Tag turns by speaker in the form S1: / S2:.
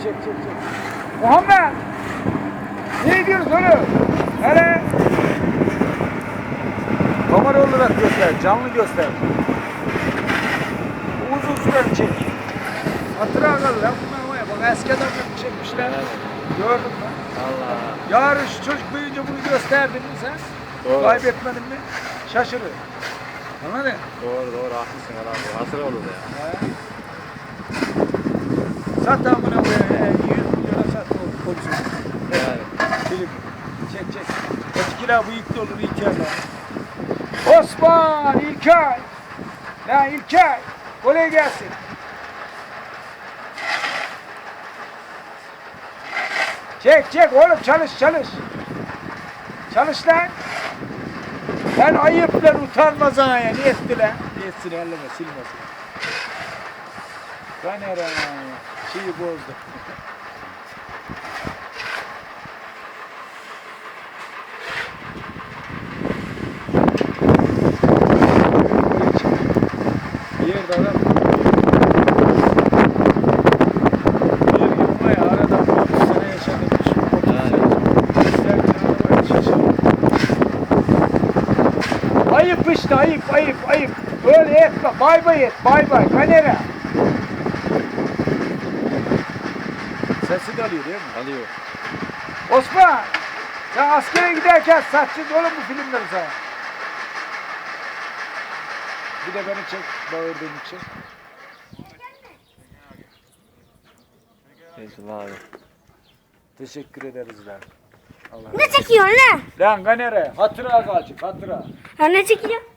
S1: çek. Muhammed! Ne diyorsun oğlum? Hele! Kamera olarak göster, canlı göster. Uzun sürer çek. Hatıra kalır lan bunlar var ya, bak eski adamlar çekmişler.
S2: Evet.
S1: Gördün mü?
S2: Allah.
S1: Yarın şu çocuk büyüyünce bunu gösterdin mi sen?
S2: Doğru.
S1: Kaybetmedin mi? Şaşırır. Anladın?
S2: Doğru haklısın abi. Hatır olur ya.
S1: Sat amına koyayım. 100 milyona sat o polisi.
S2: Yani.
S1: Film. Çek. Etkila bıyıklı olur İlker'le. Osman İlker. Lan İlker. Kolay gelsin. Çek oğlum çalış. Çalış lan. Lan ayıp lan utanmaz ha ya. Niye etti lan? Etsin elleme silmesin. Kanera şeyi bozdu. Bir yerde adam bir yılma ya arada 30 sene yaşadım. 30 sene. Ayıp işte ayıp. Böyle etme. Bay et. Bay. Kanera. Sesi de alıyor değil mi?
S2: Alıyor.
S1: Osman! Sen askere giderken satacağız oğlum bu filmleri sana. Bir de beni çek, bağırdığım için.
S2: Eyvallah abi.
S1: Teşekkür ederiz lan. Allah
S3: Ne çekiyorsun lan?
S1: Lan Ganere, hatıra kalacak, hatıra.
S3: Ha ne çekiyor?